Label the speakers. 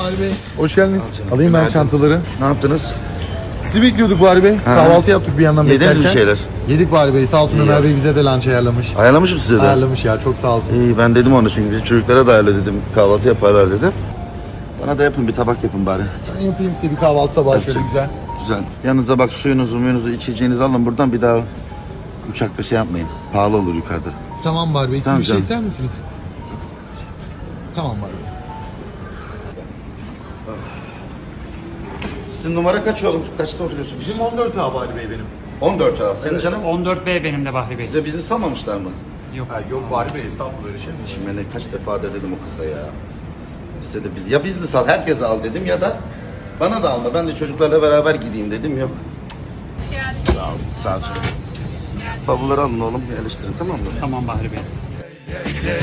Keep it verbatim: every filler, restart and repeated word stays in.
Speaker 1: Bahri Bey. Hoş geldiniz.
Speaker 2: canım.
Speaker 1: Alayım ben
Speaker 2: Günaydın.
Speaker 1: çantaları.
Speaker 2: Ne yaptınız?
Speaker 1: Sizi bekliyorduk Bahri Bey.
Speaker 2: Ha.
Speaker 1: Kahvaltı yaptık bir yandan
Speaker 2: Yediniz
Speaker 1: beklerken.
Speaker 2: bir şeyler?
Speaker 1: Yedik Bahri Bey. Sağ olsun
Speaker 2: İyi
Speaker 1: Ömer
Speaker 2: ya.
Speaker 1: Bey bize de lunch ayarlamış.
Speaker 2: Ayarlamışım size de.
Speaker 1: Ayarlamış ya, çok sağ olsun.
Speaker 2: İyi, ben dedim onu çünkü biz çocuklara da ayarla dedim. Kahvaltı yaparlar dedim. Bana da yapın, bir tabak yapın bari.
Speaker 1: Ben yapayım size bir kahvaltı tabağı şöyle
Speaker 2: Yapacak.
Speaker 1: güzel.
Speaker 2: Güzel. Yanınıza bak, suyunuzu, muyunuzu, içeceğinizi alın buradan, bir daha uçakta şey yapmayın. Pahalı olur yukarıda.
Speaker 1: Tamam Bahri Bey. Siz
Speaker 2: Tamam
Speaker 1: bir şey
Speaker 2: canım.
Speaker 1: ister misiniz? Tamam Bahri Bey.
Speaker 2: Sizin numara kaç oğlum? Kaçta oturuyorsunuz?
Speaker 1: Bizim on dört A Bahri Bey benim.
Speaker 2: on dört abi. Senin canım?
Speaker 3: on dört B benim de Bahri Bey.
Speaker 2: Size bizi salmamışlar mı?
Speaker 3: Yok.
Speaker 1: Ha, yok Bahri Bey, estağfurullah öyle şey mi?
Speaker 2: Şimdi ben de kaç defa da dedim o kıza ya. Size de biz, ya bizni sal, herkese al dedim ya da bana da alma. Ben de çocuklarla beraber gideyim dedim, yok. Sağ ol, sağ ol canım. Bavulları alın oğlum, yerleştirin, tamam mı?
Speaker 3: Tamam Bahri Bey.